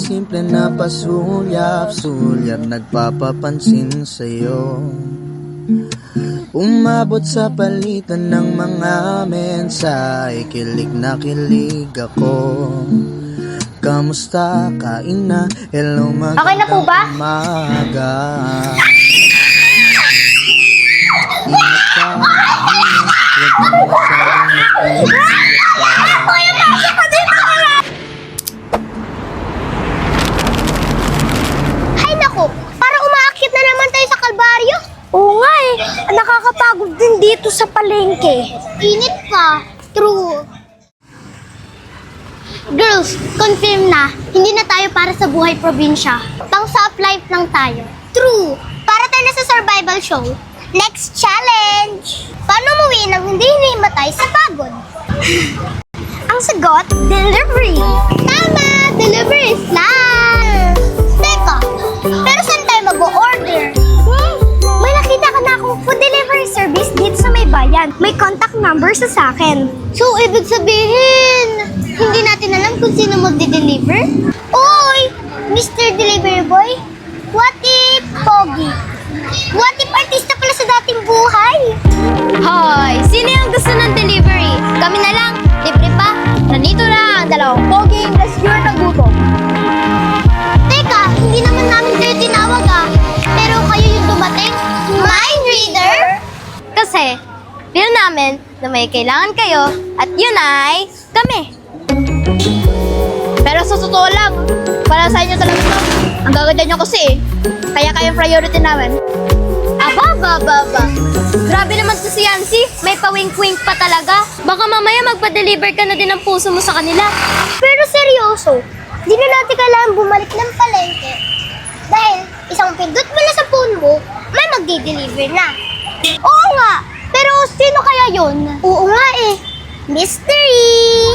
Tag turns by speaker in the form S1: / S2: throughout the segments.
S1: simple na pasulyap-sulyap nagpapapansin sa'yo. Umabot sa palitan ng mga mensahe, kilig na kilig ako. Kamusta? Kain na? Hello, magandang
S2: Okay na po ba?
S1: umaga. Ingat ka, huwag kang masyadong mag-iingat pa.
S2: Hay nako, para umaakyat na naman tayo sa Kalbaryo. Oo nga eh, nakakapagod din dito sa palengke. Init pa, true. Girls, confirm na, hindi na tayo para sa buhay probinsya. Pang soft life lang tayo. True, para tayo na sa survival show. Next challenge! Paano umuwi nang hindi hinimatay sa pagod? Ang sagot, delivery! Tama! Delivery is life! Teka, pero saan tayo mag-o-order? May nakita ka na akong food delivery service dito sa may bayan. May contact number sa akin. So, ibig sabihin, hindi natin alam kung sino magde-deliver? Oy! Mr. Delivery Boy? What if Pogi? What if artista pala sa dating buhay?
S3: Hoy! Sino yung gusto ng delivery? Kami na lang! Libre pa! Nandito na ang dalawang poging rescuer ng gutom.
S2: Teka, hindi naman namin kayo tinawag ah. Pero kayo yung dumating? Mind reader?
S3: Kasi, feel namin na may kailangan kayo at yun ay kami. Pero sa totoo lang, para sa inyo talaga to. Ang gaganda nyo kasi eh. Kaya kayong priority namin. Aba. Grabe naman to si Yancy. May pa-wink-wink pa talaga. Baka mamaya magpa-deliver ka na din ng puso mo sa kanila.
S2: Pero seryoso, di na natin kailangan bumalik ng palengke. Dahil isang pindot mo na sa phone mo, may magdi-deliver na. Oo nga, pero sino kaya yun? Oo nga eh, mystery!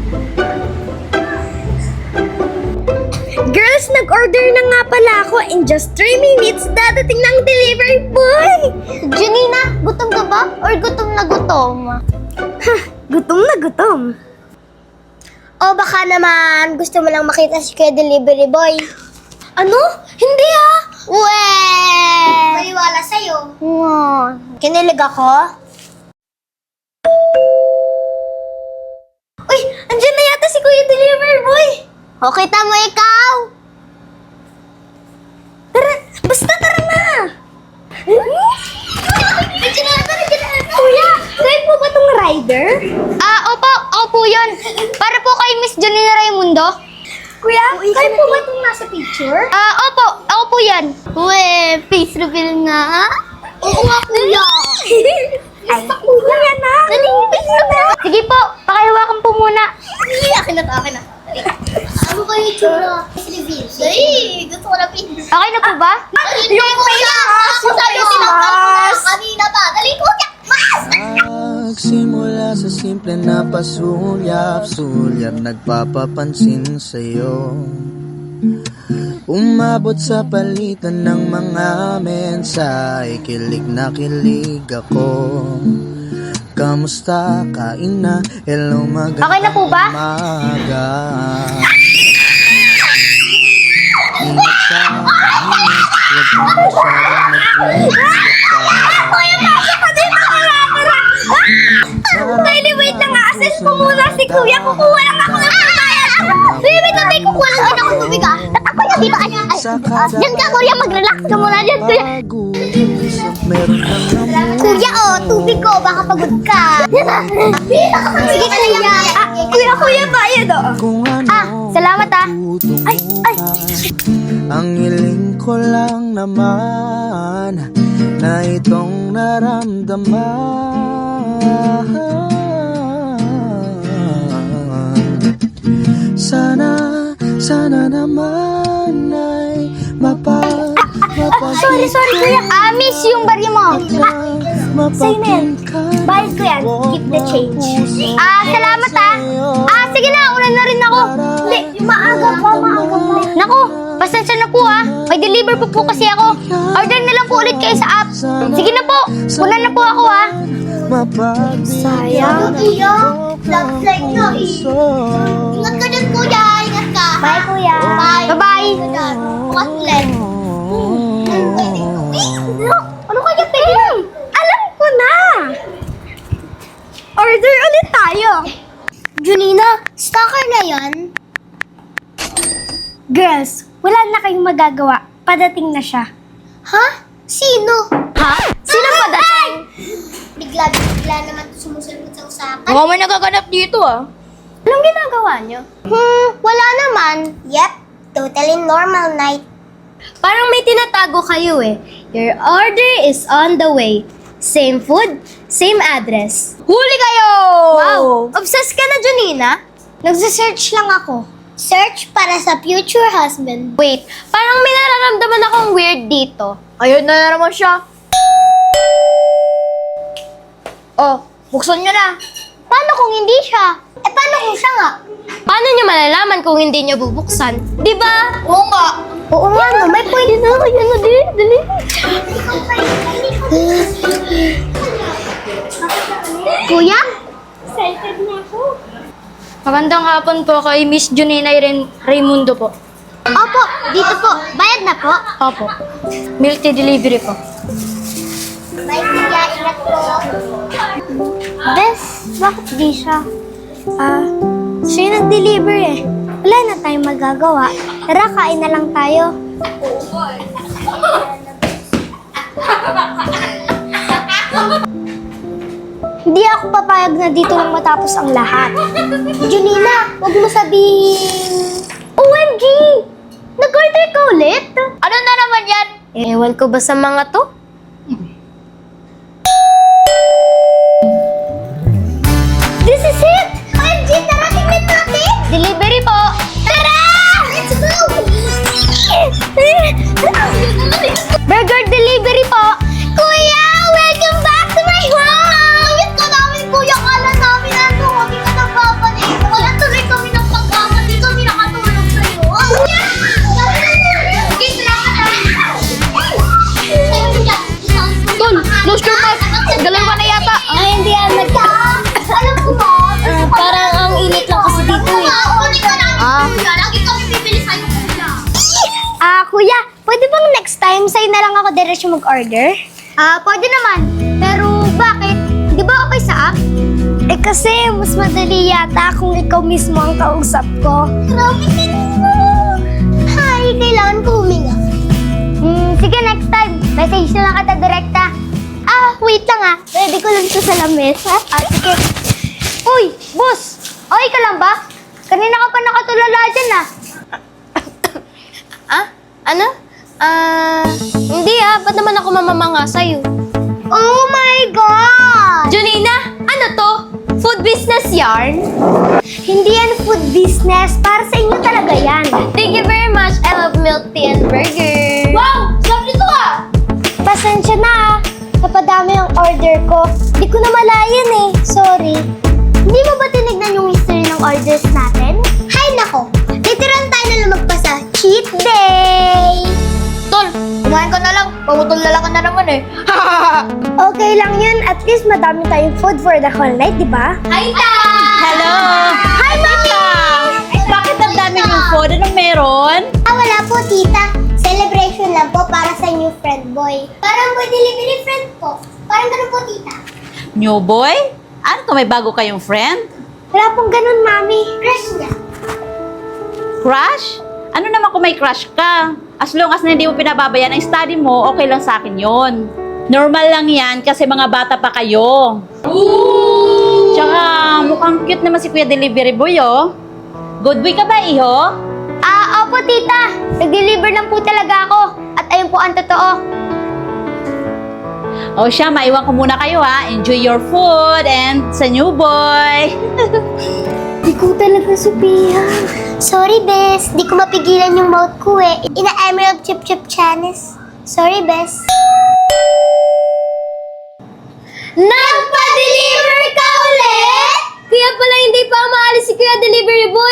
S2: Girls, nag-order na nga pala ako. In just 3 minutes, dadating ng delivery boy! Janina, gutom ka ba? Or gutom na gutom? Ha, gutom na gutom. O baka naman gusto mo lang makita si Kuya Delivery Boy. Ano? Hindi ah! Weh! Maniwala sa'yo. Kinilig ako? Uy! Andiyan na yata si Kuya Delivery Boy! O kita mo ikaw! Tara! Basta tara na! Andiyan na! Kuya! Kayo po ba itong rider?
S3: Opo. Ako po yun. Para po kay Miss Janina Raimundo.
S2: Kuya, kayo po ba itong nasa picture?
S3: Opo. Ako po yan.
S2: Weh, face reveal nga. Oo nga, kuya. Ay, kuya na. Face reveal.
S3: Sige po, pakihawakan po muna.
S2: Akin na. Ano kayo yung tsura? Face reveal. Ay, gusto ko na face.
S3: Okay na po ba?
S2: Yung face mask! Yung face mask! Kanina pa. Dali, kuya! Mask!
S1: Nagsimula sa simple na pasulyap-sulyap nagpapapansin sa'yo. Umabot sa palitan ng mga mensahe, kilig na kilig ako. Kamusta? Kain na? Hello, magandang
S3: Okay na po ba?
S1: umaga. Ingat ka, huwag kang masyadong mag-iingat
S2: Kylie, wait lang nga. Assess ko muna si kuya. Kukuha lang ako ng pagbayad. Wait lang. May kukuha lang din ako tubig ah. Tatakbo niya dito. Diyan ka kuya. Mag-relax ka muna dyan kuya. Kuya tubig ko. Baka pagod ka. Yan na. Sige kuya. Kuya bayad
S3: Salamat ah.
S2: Ay.
S1: Ang hiling ko lang naman na itong naramdaman. Sana naman ay
S2: Sorry kuya. Miss yung barya mo. Sa'yo na yan. Bayad ko yan. Keep the change. Salamat sige na. Una na rin ako. Hindi. Maaga pa.
S3: Naku, pasensya na po ah. May deliver po kasi ako. Order na lang po ulit kayo sa app. Sige na po. Una na po ako ah.
S2: Sayang. Love like no. Ingat ka dyan kuya. Ingat ka. Bye, kuya.
S3: Bye-bye.
S2: Bukas ulit. Ano kaya pwede?
S3: Alam ko na! Order ulit tayo.
S2: Junina, stalker na yan?
S3: Girls, wala na kayong magagawa. Padating na siya.
S2: Ha? Sino?
S3: Ha? Sino ba dating?
S2: Bigla naman sumusunod sa usapan.
S3: Mukhang may nagaganap dito ah. Anong ginagawa niyo?
S2: Wala naman. Yep, totally normal night.
S3: Parang may tinatago kayo eh. Your order is on the way. Same food, same address. Huli kayo! Wow! Obsessed ka na, Junina?
S2: Nagsa-search lang ako. Search para sa future husband.
S3: Wait, parang may nararamdaman akong weird dito. Ayun na naman siya. Oh, buksan niyo na.
S2: Paano kung hindi siya? Paano kung siya nga?
S3: Paano niyo malalaman kung hindi niyo bubuksan? Di ba?
S2: Oo nga. Oo nga, no. May point na.
S3: Ayan na, dali.
S2: Kuya?
S3: Magandang hapon po kay Miss Junina Raimundo po.
S2: Opo, dito po. Bayad na po.
S3: Opo. Milk tea delivery po.
S2: Bye, kuya. Ingat po.
S3: Bes, bakit di siya? Siya yung nag-deliver eh. Wala na tayong magagawa. Tara, kain na lang tayo. Hindi ako papayag na dito lang matapos ang lahat.
S2: Junina, huwag mo sabihin...
S3: OMG! Nag-order ka ulit? Ano na naman yan? Ewan ko ba sa mga to?
S2: This is it! OMG, tara, tingnan natin!
S3: Delivery po!
S2: Tara! Let's go!
S3: Burger delivery po!
S2: Kuya, welcome back to my home! Ayun ka namin, kuya. Kala namin ano, hindi ka nagpapalik. Wala tuloy kami ng pagkama. Hindi kami nakatulog sa'yo. Kuya! Kiss lang ka namin.
S3: Tol, close your mouth! Dalawa na yata!
S2: Ay, hindi yan. Alam ko ba?
S3: Parang ang init lang kasi dito eh.
S2: Kunin ka namin, kuya. Lagi kami bibili sa'yo, kuya.
S3: Kuya, pwede bang next time sa'yo na lang ako diretso mag-order?
S2: Pwede naman. Pero bakit? Di ba okay sa app?
S3: Eh kasi, mas madali yata kung ikaw mismo ang kausap ko.
S2: Grabe ka naman. Hi, kailangan ko huminga.
S3: Sige, next time. Message na lang kita direkta.
S2: Wait lang Ready ko lang ito sa lamesa.
S3: Sige. Uy, boss! Okay ka lang ba? Kanina ka pa nakatulala dyan Ano? Hindi ba't naman ako mamamanga sa'yo?
S2: Oh my God!
S3: Junina, ano to? Food business yarn? Hindi yan food business. Para sa inyo talaga yan. Thank you very much. I love milk tea and burger.
S2: Wow! Sabi nito
S3: Pasensya na Napadami ang order ko. Di ko na malayan eh. Sorry.
S2: Hindi mo ba tinignan yung history ng orders natin? Hay nako! Literal tayo na lumagpas sa cheat day!
S3: Tol, kumain ka na lang. Pamutulala ka na naman eh. Okay lang yun. At least madami tayong food for the whole night, di ba?
S2: Hi, Ta!
S4: Hello!
S2: Hi, Mami!
S4: Bakit ang dami yung food? Anong meron?
S2: Wala po, tita. Celebration lang po para sa new friend boy. Parang boy delivery friend po. Parang ganun po, tita.
S4: New boy? Ano to, may bago kayong friend?
S3: Wala pong ganun, Mami.
S2: Crush niya.
S4: Crush? Ano naman kung may crush ka? As long as na hindi mo pinababayaan ang study mo, okay lang sa akin yon. Normal lang yan kasi mga bata pa kayo. Tsaka mukhang cute naman si Kuya Delivery Boy, oh. Good boy ka ba, iho?
S3: Opo, tita. Nag-deliver lang po talaga ako. At ayun po ang totoo.
S4: O siya, maiwan ko muna kayo, ha. Enjoy your food and sa new boy.
S3: Di ko talaga Sophia.
S2: Sorry, Bes. Di ko mapigilan yung mouth ko eh. Ina-emerald chip-chip Chanis. Sorry, Bes.
S3: Nagpa-deliver ka ulit? Kaya pala hindi pa maalis si Kuya Delivery Boy.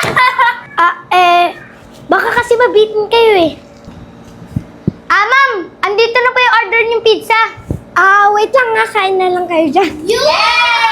S3: Baka kasi mabitin kayo eh. Ma'am! Andito na po yung order niyong pizza. Wait lang nga. Kain na lang kayo dyan.
S2: Yeah!